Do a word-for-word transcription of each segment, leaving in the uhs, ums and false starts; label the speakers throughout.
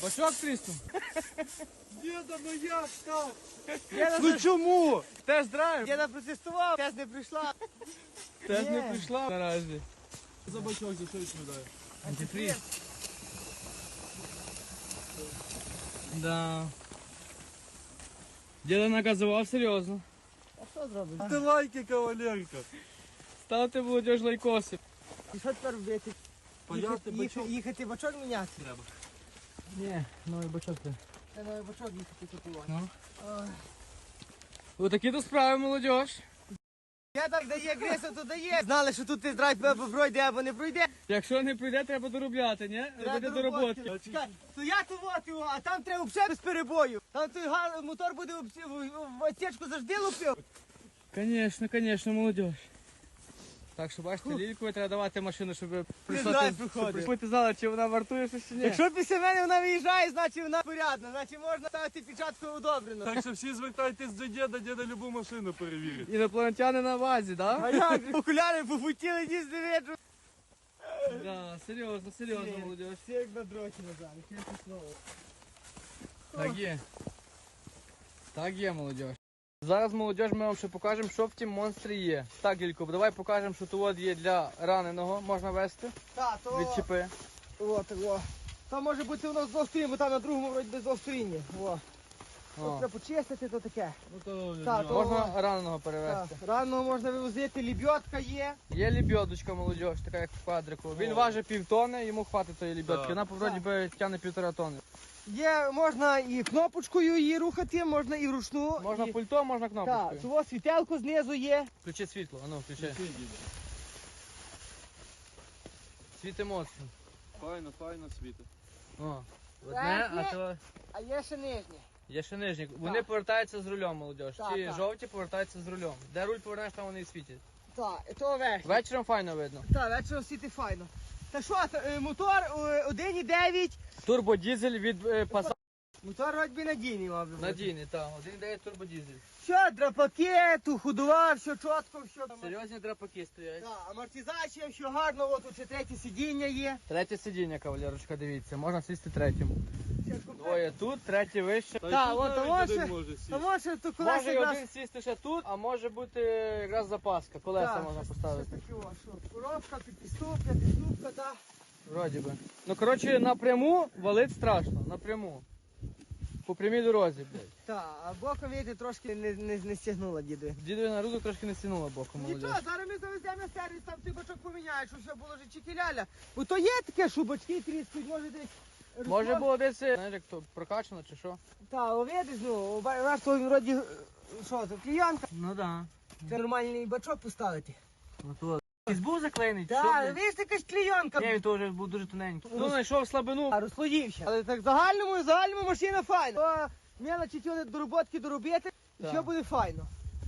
Speaker 1: Бачок тріснув?
Speaker 2: Діда, ну як так?
Speaker 1: Ну чому?
Speaker 2: Тест-драйв. Діда протестував, тест не прийшла.
Speaker 1: Теж не
Speaker 2: Ні.
Speaker 1: прийшла наразі.
Speaker 2: За бачок, за що відповідає?
Speaker 1: Антифріз. Да. Діда наказував серйозно.
Speaker 2: А що зробиш?
Speaker 3: Ти лайки, кавалерка.
Speaker 1: Ставте молодіж лайкоси.
Speaker 2: І що тепер робити?
Speaker 3: Паяти
Speaker 2: Їхати,
Speaker 3: бачок.
Speaker 2: їхати, їхати бачок міняти?
Speaker 3: Треба.
Speaker 1: Ні, новий бачок ти.
Speaker 2: Це новий бачок їхати купувати.
Speaker 1: Ну.
Speaker 2: Ой.
Speaker 1: Отакі то справи, молодіж.
Speaker 2: Я так дає гресу, то дає. Знали, що тут тест-драйв або пройде, або не пройде.
Speaker 1: Якщо не прийде, треба доробляти, ні? Робити до роботи.
Speaker 2: Чекай, то я тут от його, а там треба взагалі без перебою. Там той га- мотор буде в, в, в отсечку завжди лупив.
Speaker 1: Звісно, звісно, молодіж. Так що бачите, лількові треба давати машину, щоб прийшла.
Speaker 2: знаю,
Speaker 1: ти-
Speaker 2: приходить.
Speaker 1: щоб ти знала, чи вона вартує щось чи ні.
Speaker 2: Якщо після мене вона виїжджає, значить вона порядна, значить можна ставити печатку одобрено.
Speaker 3: Так що всі звертайтесь до діда, діда любу машину перевірить.
Speaker 1: Інопланетяни на базі, так?
Speaker 2: А як? же? Окуляри попутіли, ніс не видно.
Speaker 1: Да, серйозно, серйозно,
Speaker 2: Ні.
Speaker 1: молодіж.
Speaker 2: Всі як на дроті назад, чесне слово.
Speaker 1: Так є. Так є, молодіж. Зараз, молодіж, ми вам ще покажемо, що в тім монстрі є. Так, Лілько, давай покажемо, що тут є для раненого, можна вести,
Speaker 2: Так, то...
Speaker 1: відчіпи.
Speaker 2: От, о. Там може бути воно з двох сторін, бо там на другому вроді без двох сторін. О.
Speaker 1: О.
Speaker 2: Треба почистити, то таке.
Speaker 3: Ну то
Speaker 2: Так, то-
Speaker 1: Можна раненого
Speaker 2: Так,
Speaker 1: перевезти.
Speaker 2: рано можна вивозити, лебедка є.
Speaker 1: Є лебедочка, молодіж, така як в квадрику. Він
Speaker 3: О.
Speaker 1: важить півтони, йому хватить тої лебедки.
Speaker 3: Так.
Speaker 1: Вона, вроді би, тягне півтора тони.
Speaker 2: Є, можна і кнопочкою її рухати, можна і вручну.
Speaker 1: Можна
Speaker 2: і...
Speaker 1: пультом, можна
Speaker 2: Так,
Speaker 1: кнопочкою.
Speaker 2: цього світелку знизу є.
Speaker 1: Включи світло, а ну, включи.
Speaker 3: Який діда?
Speaker 1: Світ емоцій.
Speaker 3: Файно, файно світить.
Speaker 1: О, одне,
Speaker 2: Так,
Speaker 1: а то
Speaker 2: А є ще нижнє.
Speaker 1: є ще нижні. Вони
Speaker 2: Так.
Speaker 1: повертаються з рулем, молодіж.
Speaker 2: Так,
Speaker 1: Ті
Speaker 2: так.
Speaker 1: жовті повертаються з рулем. Де руль повернеш, там вони і світять.
Speaker 2: Так, і то верхнє.
Speaker 1: Вечором файно видно.
Speaker 2: Так, вечором світи файно. Та що, та, е, мотор е, один і дев'ять.
Speaker 1: Турбодізель від е, Passat.
Speaker 2: Мотор вроді надійний, мав би бути.
Speaker 1: Надійний, так. один і дев'ять турбодізель.
Speaker 2: Все, драпаки, ту ходова, все чітко, все.
Speaker 1: Серйозні драпаки стоять.
Speaker 2: Так, амортизація, все гарно, от тут ще третє сидіння є.
Speaker 1: Третє сидіння, кавалерочка, дивіться. Можна сісти третім.
Speaker 2: Все комплект.
Speaker 1: Двоє тут, третє вище.
Speaker 3: Та й
Speaker 2: Так,
Speaker 3: тут
Speaker 2: от,
Speaker 3: навіть
Speaker 2: а
Speaker 3: один
Speaker 2: може-
Speaker 3: може сісти.
Speaker 2: А може то
Speaker 1: Може
Speaker 2: колеса
Speaker 1: і
Speaker 2: якраз...
Speaker 1: один сісти ще тут, а може бути якраз запаска. Колеса
Speaker 2: Так,
Speaker 1: можна
Speaker 2: щось-
Speaker 1: поставити.
Speaker 2: щось таке, о, що, коробка, підступка, підступка, так.
Speaker 1: Вроді би. Ну, коротше, напряму валить страшно. Напряму. По прямій дорозі, блядь.
Speaker 2: Так, а боком, видите, трошки не, не, не стягнула діду.
Speaker 1: Дідові на руку трошки не стянула боком, молодіж.
Speaker 2: Нічого, зараз ми завеземо на сервіс, там той бачок поміняють, що все було вже чекіляля. Бо то є таке, що бачки тріскають, може десь...
Speaker 1: Може було десь, знаєш, як то прокачано чи що?
Speaker 2: Так, видиш, ну, раз то він вроді, е, що, то клієнка.
Speaker 1: Ну да.
Speaker 2: Це нормальний бачок поставити.
Speaker 1: Ото. Із був заклеєний, чи що,
Speaker 2: Так,
Speaker 1: блядь?
Speaker 2: видиш, якась клієнка.
Speaker 1: Ні, він теж був дуже тоненький. Ну, знайшов слабину.
Speaker 2: А розслоївся. Але так в загальному, в загальному машина файна. То мелочі ті дороботки доробити, і
Speaker 1: Так.
Speaker 2: все буде файно.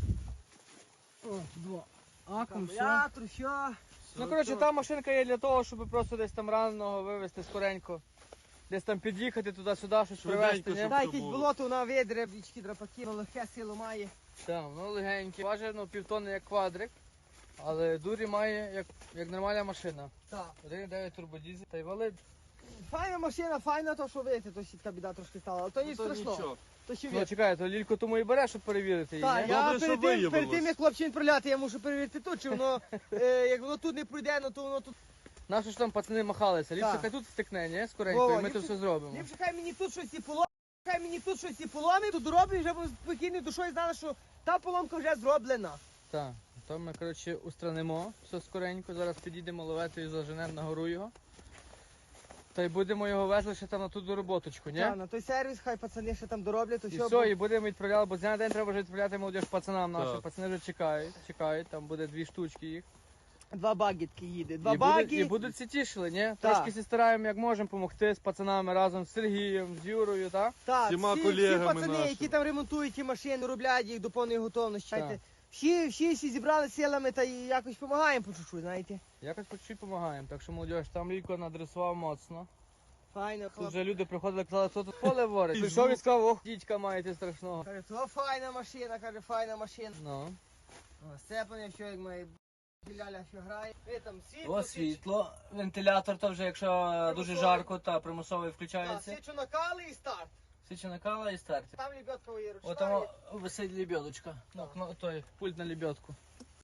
Speaker 1: О, два. Акум, все.
Speaker 2: Акумулятор, все.
Speaker 1: Ну, коротше, та машинка є для того, щоб просто десь там раненого вивезти скоренько. Десь там під'їхати туди-сюди, щось
Speaker 3: Швиденько,
Speaker 1: привезти, ні?
Speaker 3: щоб-
Speaker 2: Дай
Speaker 3: то
Speaker 2: якесь
Speaker 3: було.
Speaker 2: болото, вона видре, бічки, драпаки, ну, легке силу має.
Speaker 1: Так, воно легеньке. Важить, ну, півтонни як квадрик, але дурі має як, як нормальна машина.
Speaker 2: Так.
Speaker 1: один і дев'ять турбодізель, та й валить.
Speaker 2: Файна машина, файна, то що видите, то сітка біда трошки стала, але то не
Speaker 3: Ну, то
Speaker 2: страшно.
Speaker 3: нічого.
Speaker 2: То ще
Speaker 1: Ну,
Speaker 2: від.
Speaker 1: чекай, то лілько тому і бере, щоб перевірити її,
Speaker 2: Так,
Speaker 1: ні?
Speaker 2: я
Speaker 3: Добре, що
Speaker 2: перед тим, перед
Speaker 3: виявилось.
Speaker 2: тим, як хлопчин приляти, я мушу перевірити тут, чи воно, е, як воно тут не пройде, ну то воно тут.
Speaker 1: Наші ж там пацани махалися, ліпше
Speaker 2: Так.
Speaker 1: хай тут стикне, ні? Скоренько,
Speaker 2: Вова,
Speaker 1: і ми то
Speaker 2: ліпше-
Speaker 1: все зробимо.
Speaker 2: Ліпше хай мені тут щось і поломить, хай мені тут щось і поломить, тут дороблю, вже буду спокійною душою знала, що та поломка вже зроблена.
Speaker 1: Так, то ми, коротше, устранимо все скоренько, зараз підійдемо ловетою, заженемо на гору його. Та й будемо його везли ще там на ту дороботочку, ні?
Speaker 2: Так, на той сервіс, хай пацани ще там дороблять, то
Speaker 1: І
Speaker 2: все.
Speaker 1: все, і будемо відправляти, бо з дня на день треба вже відправляти молодіж пацанам нашим.
Speaker 3: Так.
Speaker 1: Пацани вже чекають, чекають, там буде дві штучки їх.
Speaker 2: Два багітки їде, два
Speaker 1: і,
Speaker 2: баги.
Speaker 1: будуть, і будуть всі тішили, ні?
Speaker 2: Так.
Speaker 1: Трошки всі стараємо, як можемо, допомогти з пацанами разом з Сергієм, з Юрою, так?
Speaker 2: Так,
Speaker 3: всіма
Speaker 2: всі,
Speaker 3: колегами
Speaker 2: всі пацани,
Speaker 3: нашими.
Speaker 2: які там ремонтують ті машини, роблять їх до повної готовності.
Speaker 1: Так.
Speaker 2: Знаєте, Всі, всі, всі зібрали силами та і якось допомагаємо по чуть-чуть, знаєте.
Speaker 1: Якось по чуть допомагаємо. Так що молодіж, там Лілько надресував моцно.
Speaker 2: Файно,
Speaker 1: Тут
Speaker 2: хлоп.
Speaker 1: вже люди приходили, казали, хто тут поле ворить. Прийшов і сказав, ох, дідька маєте страшного.
Speaker 2: Каже, то файна машина, каже, файна машина.
Speaker 1: Ну.
Speaker 2: О, сцеплення, все як має Ляля що грає. Ви там світло.
Speaker 1: О, світло. Вентилятор то вже, якщо дуже жарко, та примусовий
Speaker 2: Так,
Speaker 1: включається.
Speaker 2: свічу накали і старт.
Speaker 1: Свічі накала і старт.
Speaker 2: Там лебедка є ручна.
Speaker 1: От там висить лебедочка. Ну, кно- той пульт на лебедку.